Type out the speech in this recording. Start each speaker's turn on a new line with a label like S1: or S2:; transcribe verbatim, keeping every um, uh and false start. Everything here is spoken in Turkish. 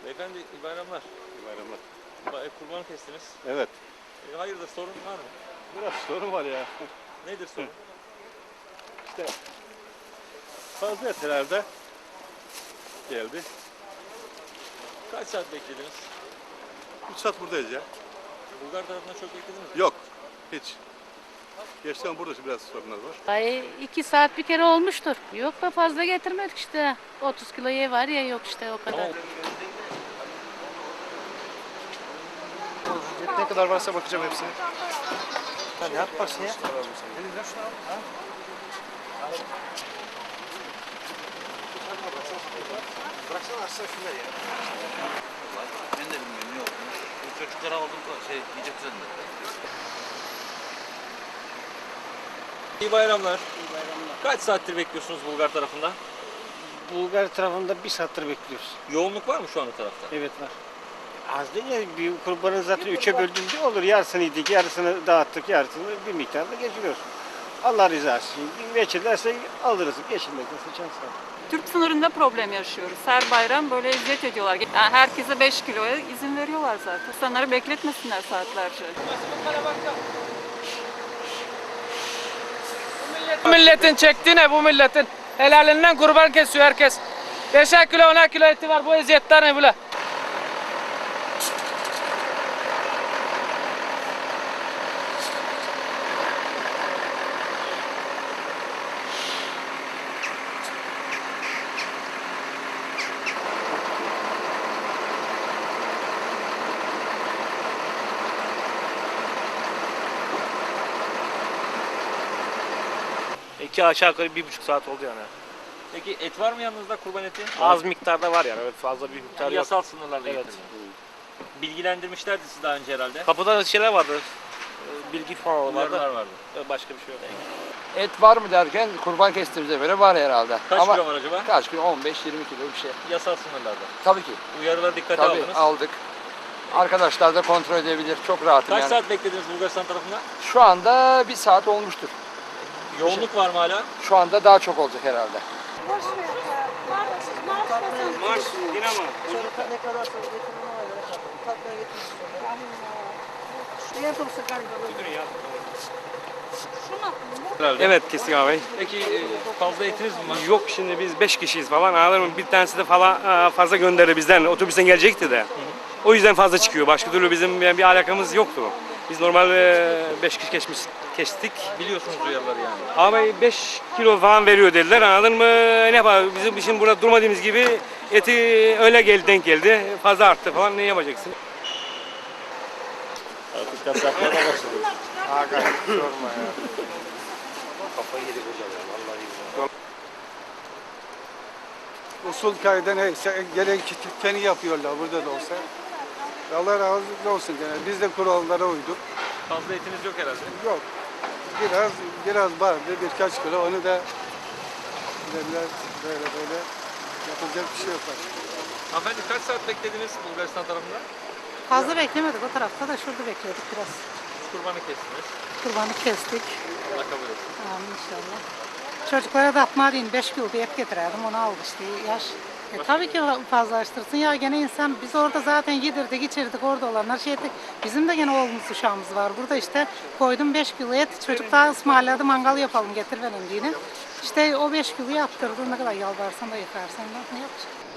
S1: Beyefendi iyi bayramlar.
S2: İyi bayramlar.
S1: Ba- Kurban kestiniz.
S2: Evet.
S1: E, hayırdır sorun var mı?
S2: Biraz sorun var ya.
S1: Nedir sorun?
S2: İşte fazla etlerde geldi.
S1: Kaç saat beklediniz?
S2: üç saat buradayız ya.
S1: Bulgar tarafından çok beklediniz mi?
S2: Yok. Hiç. Gerçekten burada biraz sorunlar var.
S3: Ay iki saat bir kere olmuştur. Yok da fazla getirmedik işte. otuz kilo ye var ya yok işte o kadar.
S4: Ne kadar varsa bakacağım hepsine.
S1: Sen ne yaparsın ya?
S4: Bıraksana aslında şunları ya.
S5: Ben de bilmiyorum ne olmuş. Bu çocuklara aldım şey yiyecek düzenledi.
S1: İyi bayramlar. İyi bayramlar. Kaç saattir bekliyorsunuz Bulgar tarafından?
S6: Bulgar tarafında bir saattir bekliyoruz.
S1: Yoğunluk var mı şu an o tarafta?
S6: Evet var. Az değil ya, bir kurbanı zaten üçe böldüğünde olur. Yarısını yedik, yarısını dağıttık, yarısını bir miktarda geçiriyoruz. Allah rızası için. Geçirlerse alırız, geçirmezse çansın.
S7: Türk sınırında problem yaşıyoruz. Her bayram böyle eziyet ediyorlar. Yani herkese beş kiloya izin veriyorlar zaten. İnsanları bekletmesinler saatlerce.
S8: Bu milletin çektiği ne bu milletin? Helalinden kurban kesiyor herkes. Beşer kilo onar kilo eti var, bu eziyetler ne böyle?
S4: İki aşağı yukarı bir buçuk saat oldu yani.
S1: Peki et var mı yanınızda kurban eti?
S4: Az miktarda var yani. Evet, fazla bir miktar
S1: Yani
S4: yok.
S1: yasal sınırlarla
S4: Evet.
S1: getirdiniz. Bilgilendirmişlerdi sizi daha önce herhalde.
S4: Kapıda şeyler vardı. Ee, Bilgi falan
S1: Uyarılar
S4: vardı.
S1: vardı.
S4: Ee, Başka bir şey yok.
S9: Et var mı derken kurban kestiğimize göre var herhalde.
S1: Kaç
S9: Ama
S1: kilo var acaba?
S9: kaç kilo? on beş yirmi kilo bir şey.
S1: Yasal sınırlarda.
S9: Tabii ki.
S1: Uyarılara dikkate
S9: Tabii
S1: aldınız.
S9: aldık. Arkadaşlar da kontrol edebilir. Çok rahatım
S1: Kaç
S9: yani.
S1: saat beklediniz Bulgaristan tarafından?
S9: Şu anda bir saat olmuştur.
S1: Yoğunluk var mı hala?
S9: Şu anda daha çok olacak herhalde.
S6: Marş, dinamo.
S8: Evet kesin abi.
S1: Peki e, fazla etiniz mi var?
S8: Yok şimdi biz beş kişiyiz falan anladın mı? Bir tanesi de falan fazla gönderdi bizden. Otobüsten gelecekti de. O yüzden fazla çıkıyor. Başka türlü bizim yani bir alakamız yoktu. Biz normal beş kişi geçmiş kestik.
S1: Biliyorsunuz uyarıları yani.
S8: Ama beş kilo falan veriyor dediler anladın mı? Ne yapalım bizim için burada durmadığımız gibi eti öyle geldi denk geldi. Fazla arttı falan ne yapacaksın?
S1: Artık kasaplara başladı.
S6: Aga sorma ya.
S4: Kafayı yedik hocam ya. Vallahi.
S10: Usul kaydı neyse gerekeni yapıyorlar burada da olsa. Allah razı olsun gene. Biz de kurallara uyduk.
S1: Fazla etiniz yok herhalde.
S10: Yok. Biraz biraz vardı birkaç kilo onu da dediler böyle böyle yapacak bir şey yok artık.
S1: Hanımefendi kaç saat beklediniz Bulgaristan tarafında?
S3: Fazla beklemedik o tarafta da şurada bekledik biraz.
S1: Kurbanı kestiniz.
S3: Kurbanı kestik.
S1: Allah kabul etsin.
S3: Amin inşallah. Çocuklara da atma deyin beş kilo bir et getirerdim onu aldı işte yaş. E, tabii ki fazlalaştırsın ya gene insan biz orada zaten yedirdik içirdik orada olanlar şey ettik. Bizim de gene oğlumuz uşağımız var burada işte koydum beş kilo et çocuk daha ısmarladı mangal yapalım getir verin diye. İşte o beş kiloyu attırdı ne kadar yalvarsan da yıkarsan ne yapacaksın?